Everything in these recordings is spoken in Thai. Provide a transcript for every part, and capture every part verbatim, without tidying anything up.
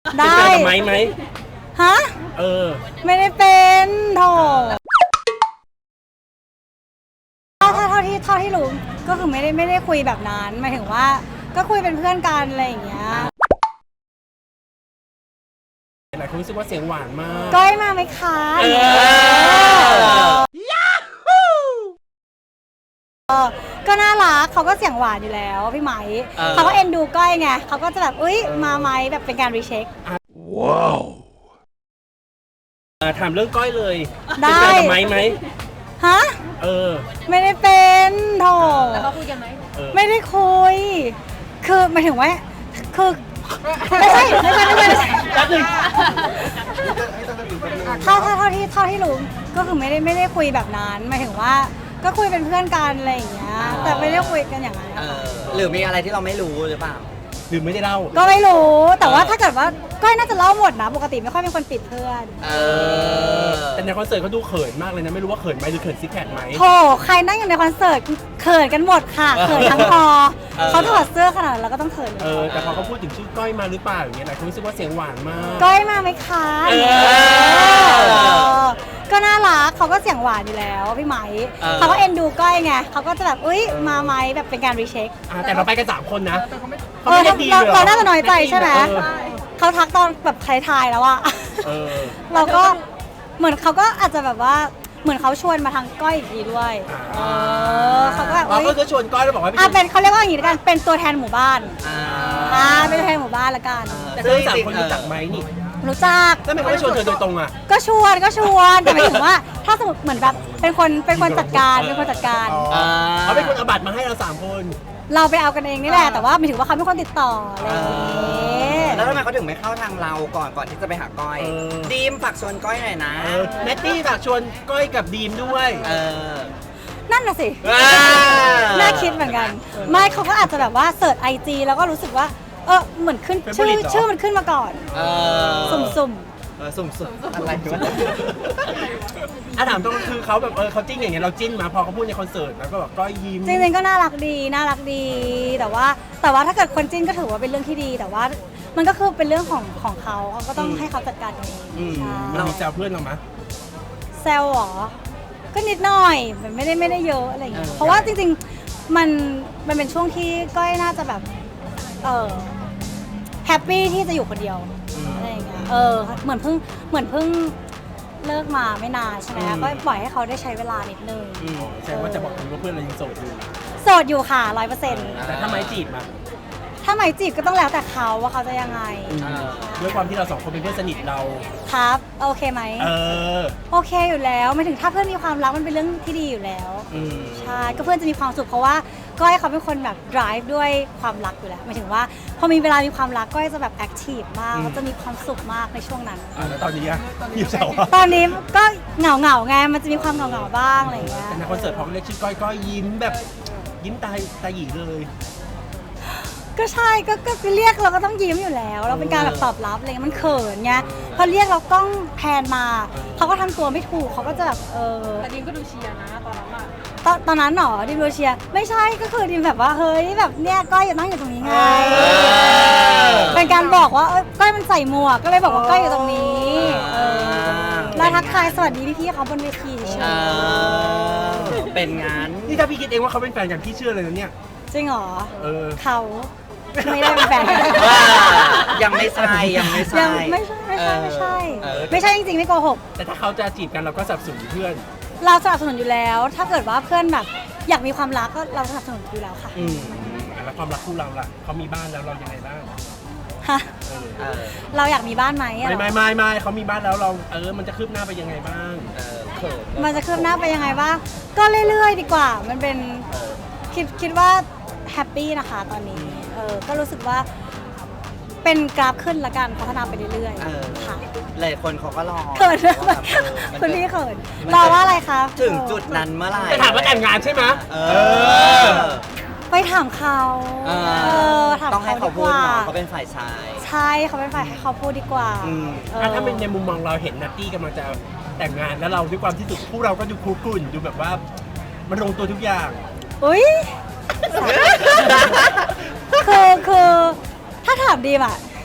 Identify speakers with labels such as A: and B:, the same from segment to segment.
A: ได้
B: เป็นไหมไหม
A: ฮะ
B: เออ
A: ไม่ได้เป็นโถถ้าเท่าที่เท่าที่รู้ก็คือไม่ได้ไม่ได้คุยแบบนั้นหมายถึงว่าก็คุยเป็นเพื่อนกันอะไรอย่างเงี้ย
B: หลายคนรู้สึกว่าเสียงหวานมาก
A: ก้อยมาไหมคะเออก็น่ารักเขาก็เสียงหวานอยู่แล้วพี่ไหมเขาก็เอ็นดูก้อยไงเขาก็จะแบบอุ้ยมาไหมแบบเป็นการรีเช็ค
B: ว้าวถามเรื่องก้อยเลย
A: ได้
B: เป็นไหมไหม
A: ฮะ
B: เออ
A: ไม่ได้เป็นโถ
C: แล้วเขาคุยกันไหม
A: ไม่ได้คุยคือหมายถึงว่าคือไม่ใช่ไม่ใช่ไม่ใช่ไม่ใช่ถ้าถ้าเท่าที่เท่าที่รู้ก็คือไม่ได้ไม่ได้คุยแบบนั้นหมายถึงว่าก็คุยเป็นเพื่อนกันอะไรอย่างเงี้ยแต่ไม่ได้คุยกันอย่างนั้น
D: หรือมีอะไรที่เราไม่รู้หรือเปล่า
B: หรือไม่ได้เล่า
A: ก็ไม่รู้แต่ว่าถ้าเกิดว่าก้อยน่าจะเล่าหมดนะปกติไม่ค่อยเป็นคนปิดเพื่อน
B: แต่ในคอนเสิร์ตเขาดูเขินมากเลยนะไม่รู้ว่าเขินไหมหรือเขินซิกแพคไหม
A: โธ่ใครนั่งอยู่ในคอนเสิร์ตเขินกันหมดค่ะเขินทั้งคอเขาถอดเสื้อขนาดเราก็ต้องเขิน
B: เออแต่พอเขาพูดถึงชื่อก้อยมาหรือเปล่าอย่างเงี้ยหลายคนรู้สึกว่าเสียงหวานมาก
A: ก้อยมาไหมคะก็น่ารักเขาก็เสียงหวานอยู่แล้วพี่ไหมเขาก็เอ็นดูก้อยไงเขาก็จะแบบอุ้ยมาไหมแบบเป็นการรีเช็ค
B: แต่เราไปกันสามคนนะ
A: เออเราเราน่าจะน้อยใจใช่ไหมเขาทักตอนแบบท้ายๆแล้วอะเราก็เหมือนเขาก็อาจจะแบบว่าเหมือนเขาชวนมาทางก้อยอีกทีด้วยเออเขาก็แบบ
B: เราก็จะชวนก้อยแล้วบอกว่า
A: อ่ะเป็นเขาเรียกว่าอย่างนี้ละกันเป็นตัวแทนหมู่บ้านอ่าเป็นตัวแทนหมู่บ้านละกัน
B: แต่ทั้งสามคนรู้จักไหมนี่
A: รู้จัก
B: แล้วทำไมเขาไม่ชวนเธอโดยตรงอ่ะ
A: ก็ชวนก็ชวนแต่หมายถึงว่าถ้าสมมติเหมือนแบบเป็นคนเป็นคนจัดการเป็นคนจัดการ
B: เขาเป็นคนเอาบัตรมาให้เราสามคน
A: เราไปเอากันเองนี่แหละแต่ว่าหมายถึงว่าเขาเป็นคนติดต่ออะไรอย่าง
D: งี้แล้วทำไมเขาถึงไม่เข้าทางเราก่อนก่อนที่จะไปหาก้อยดีมฝากชวนก้อยหน่อยนะ
B: แนตตี้ฝากชวนก้อยกับดีมด้วย
A: นั่นน่ะสิน่าคิดเหมือนกันไม่เขาก็อาจจะแบบว่าเสิร์ชไอจีแล้วก็รู้สึกว่าเออเหมือนขึ้นชื่อชื่อมันขึ้นมาก่อนสุ่มสุ่ม
D: สุ่มสุ่มอะไรวะ
B: อ่ะถามตรงคือเขาแบบเออเขาจิ้นอย่างเงี้ยเราจิ้นมาพอเขาพูดในคอนเสิร์ตแล้วก็แบบก็ยิ้ม
A: จริงๆก็น่ารักดีน่ารักดีแต่ว่าแต่ว่าถ้าเกิดคนจิ้นก็ถือว่าเป็นเรื่องที่ดีแต่ว่ามันก็คือเป็นเรื่องของของเขาเขาก็ต้องให้เขาจัดการเอง
B: เรามีแซวเพื่อนเราไหม
A: แซวหรอก็นิดหน่อยมันไม่ได้ไม่ได้เยอะอะไรอย่างเงี้ยเพราะว่าจริงๆมันมันเป็นช่วงที่ก้อยน่าจะแบบเออแฮปปี้ที่จะอยู่คนเดียวอะไรอย่างเงี้ยเออเหมือนเพิ่งเหมือนเพิ่งเลิกมาไม่นานใช่ไหมก็ปล่อยให้เขาได้ใช้เวลานิดนึง
B: แสดงว่าจะบอกว่าเพื่อนเรายังโสดอยู่
A: โสดอยู่ค่ะร้อยเปอร์เซ็นต์
B: แต่ถ้าไม่จีบมา
A: ถ้าไม่จีบก็ต้องแล้วแต่เขาว่าเขาจะยังไง
B: ด้วยความที่เราสองคนเป็นเพื่อนสนิทเรา
A: ครับโอเคไหม
B: เออ
A: โอเคอยู่แล้วไม่ถึงถ้าเพื่อนมีความรักมันเป็นเรื่องที่ดีอยู่แล้วใช่ก็เพื่อนจะมีความสุขเพราะว่าก้อยเขาเป็นคนแบบ drive ด้วยความรักอยู่แล้วหมายถึงว่าพอมีเวลามีความรักก้อยจะแบบ active มากเขาจะมีความสุขมากในช่วงนั้น
B: แล้วตอนนี้อะยิ้มเฉา
A: ตอนนี้ก็เหงาเหงาไงมันจะมีความเหงาเหงาบ้างอะไรอย่างเงี้ย
B: แต่ในคอนเสิร์ตพอเรียกชื่อก้อยก้อยยิ้มแบบยิ้มตาตาหยีเลย
A: ก็ใช่ก็ก็เรียกเราก็ต้องยิ้มอยู่แล้วเราเป็นการแบบตอบรับอะไรมันเขินไงพอเรียกเรากล้องแพนมาเขาก็ทำตัวไม่ถูกเขาก็จะแบบเออ
C: แต่ดิมก็ดูเชียร์นะตอนนั้นอะ
A: ตอนตอนนั้นหรอดิมดูเชียร์ไม่ใช่ก็คือดิมแบบว่าเฮ้ยแบบเนี้ยก้อยอยู่นั่งอยู่ตรงนี้ไงเป็นการบอกว่าก้อยมันใส่หมวกก็เลยบอกว่าก้อยอยู่ตรงนี้แล้วทักทายสวัสดีพี่ๆเขาบนเวทีเฉย
D: เป็นงาน
B: นี่ถ้าพี่คิดเองว่าเขาเป็นแฟนกันพี่เชื่อเลยนะเนี่ย
A: จริงเหรอ
B: เออ
A: เขาไม่ได้เป็นแฟนกัน
D: ยังไม่ใช่ยังไม่ใช่
A: ไม่ใช่ไม่ใช่ไม่ใช่ไม่ใช่จริงๆไม่โกหก
B: แต่ถ้าเขาจะจีบกันเราก็สนับสนุนเพื่อน
A: เราสนับสนุนอยู่แล้วถ้าเกิดว่าเพื่อนแบบอยากมีความรักก็เราสนับสนุนอยู่แล้วค่ะ
B: อืมแล้วความรักคู่เราล่ะเขามีบ้านแล้วเรายังไงบ้าง
A: ฮะเราอยากมีบ้านไหม
B: ไม่ไม่ไม่ไม่เขามีบ้านแล้วเราเออมันจะคืบหน้าไปยังไงบ้าง
A: มันจะคืบหน้าไปยังไงบ้างก็เรื่อยๆดีกว่ามันเป็นคิดคิดว่าแฮปปี้นะคะตอนนี้เออก็รู้สึกว่าเป็นกราฟขึ้นละกันพัฒนาไปเรื่อยๆค่ะ
D: หลายคนเขาก็รอ
A: เขินคุณพี่เขินรอว่าอะไรคะ
D: ถึงจุดนั้นเมื่อไหร่
B: จะถามว่าแต่งงานใช่ไหม
A: ไปถามเขา
D: ต้องให้เขาพูดเขาเป็นฝ่ายชาย
A: ใช่เขาเป็นฝ่ายให้เขาพูดดีกว่า
B: ถ้าเป็นในมุมมองเราเห็นนัตตี้กำลังจะแต่งงานแล้วเราด้วยความที่สุดคู่เราก็ดูคูลกุ่นดูแบบว่ามันลงตัวทุกอย่าง
A: อุ้ยคือคือถ้าถามดีมอ่ะ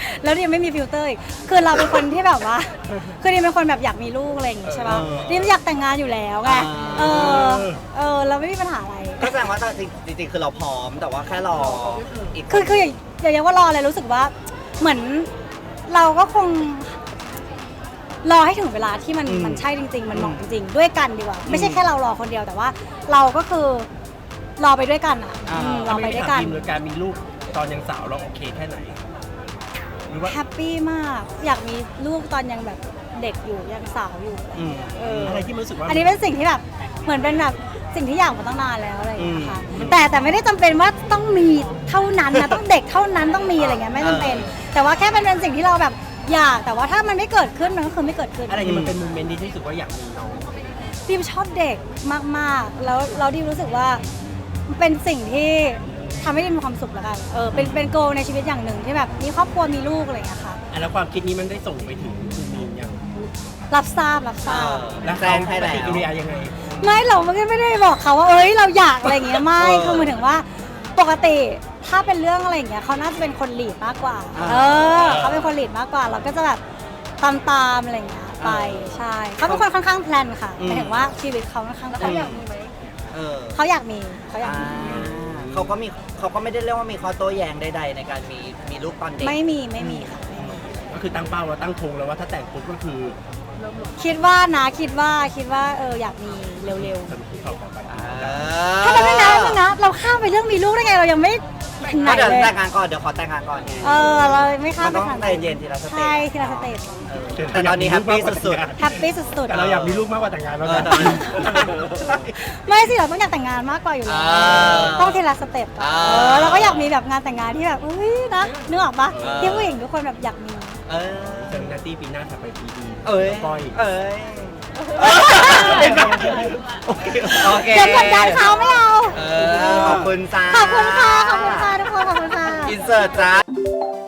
A: แล้วดิมไม่มีฟิลเตอร์อีกคือเราเป็นคนที่แบบว่า คือดิมเป็นคนแบบอยากมีลูกอะไรอย่างงี้ใช่ป่ะดิมอยากแต่งงานอยู่แล้วไงเออเออเราไม่มีปัญหาอะไร
D: ก็แสดงว่าจริงๆคือเราพร้อมแต่ว่าแค่รออีก
A: คือคืออย่างอย่างอย่างว่ารออะไรรู้สึกว่าเหมือนเราก็คง รอให้ถึงเวลาที่มันมันใช่จริง ๆ มันเหมาะจริงๆด้วยกันดีกว่า ไม่ใช่แค่เรารอคนเดียวแต่ว่า เราก็คือรอไปด้วยกันอ่ะอืมรอไปด้วยกัน
B: หรือการมีลูกตอนยังสาวเราโอเคแค่ไหนหรือว่า
A: แฮปปี้มาก อยากมีลูกตอนยังแบบเด็กอยู่ยังสาวอยู่
D: อืม
A: เออ
B: อะไรที่มันรู้สึกว่า
A: อันนี้เป็นสิ่งที่แบบเหมือนเป็นแบบสิ่งที่อยากมาตั้งนานแล้วอะไรอย่างเงี้ยค่ะแต่แต่ไม่ได้จำเป็นว่าต้องมีเท่านั้นนะ ต้องเด็กเท่านั้นต้องมีอะไรเงี้ยไม่จำเป็น แต่ว่าแค่เป็นเป็นสิ่งที่เราแบบอยากแต่ว่าถ้ามันไม่เกิดขึ้นมันก็คือไม่เกิดขึ้น
B: อะไรที่มันเป็นโมเมนต์ที่รู้สึกว่าอยากมีน้อง
A: ดิมชอบเด็กมากๆ แล้วเราดิมรู้สึกว่ามันเป็นสิ่งที่ทำให้ดิมมีความสุขแล้วกันเออเป็นเป็นโกในชีวิตอย่างหนึ่งที่แบบมีครอบครัวมีลูกอะไรอย่างเงี้ยค่ะ
B: อ่ะแล้วความคิดนี้มันได้ส่งไปถึงคุณมีนยัง
A: รับทราบรับทราบ
B: แล้ว
D: แจ้
B: เขา
D: งให้
B: ป
D: แล้ว
B: ฏิกิริยายังไง
A: ไม่เราไม่ได้บอกเขาว่าเอ้ยเราอยากอะไรอย่างเงี้ยไม่
D: เออ
A: คือหมายถึงว่าปกติถ้าเป็นเรื่องอะไรอย่างเงี้ยเขาน่าจะเป็นคนลีดมากกว่า
D: อ่า
A: เออเขาเป็นคนลีดมากกว่า เราก็จะแบบตามตามๆอะไรอย่างเงี้ยไปใช่เขาเป็นคนค่อนข้างแพลนค่ะหมายถึงว่าชีวิตเขาค่อนข้างแพล
C: เขา
A: น
C: อยากมีไหม
D: เออ
A: เขาอยากมีเขาอยาก
D: อ่า
A: มี
D: เขาก็มีเขาก็ไม่ได้เรียกว่ามีข้อโต้แย้งใดๆในการมีมีลูกตอนเด็ก
A: ไม่มีไม่มีค่ะไม่มี
B: ก็คือตั้งเป้าว่าตั้งธงแล้วว่าถ้าแต่งปุ๊บก็คือ
A: คิดว่านะคิดว่าคิดว่าเอออยากมีเร็ว
B: สรุปที่เขาขอไป
D: อ่า
A: ๆถ้าเราไม่นะไม่นะเราข้ามไปเรื่องมีลูกได้ไงเรายังไม่ถึงไหน
D: ก็เดี๋ยว
A: เลย
D: แต่งงานก่อนเดี๋ยวขอแต่งงานก่อนไง
A: เออเราไม่ข้าม
D: มัน
A: ไป
D: ต้อง
A: ทาง
D: ใจเย็นทีละสเต็ป
A: ใช่ทีละสเต็ป
D: เออแต่ตอนนี้แฮปปี้สุด
A: แฮปปี้สุด
B: แต่เราอยากมีลูกมากกว่าแต่งงาน
D: ๆ
B: แล้ว
D: เออ
B: นะ
D: ตอนนี้
A: ๆไม่สิเราต้องอยากแต่งงานมากกว่าอยู่แล้ว
D: อ่า
A: ต้องทีละสเต็ปอะ
D: อ่า
A: เออเราก็อยากมีแบบงานแต่งงานที่แบบเอ้ยนะนึกออกปะ
D: อ่า
A: ที่ผู้หญิงทุกคนแบบอยากมี
D: เออ
B: เจอนาตี้ปีหน้าถัดไปปีดี
D: เอ้ย
B: ก้อย
D: เอ้ยโอเคโอเค
A: เดี๋ยวกดดันเขาไม่เอา
D: เออขอบคุณจ้า
A: ขอบคุณค่ะขอบคุณค่ะทุกคนขอบคุณค่ะ
D: อินเสิร์ตจ้า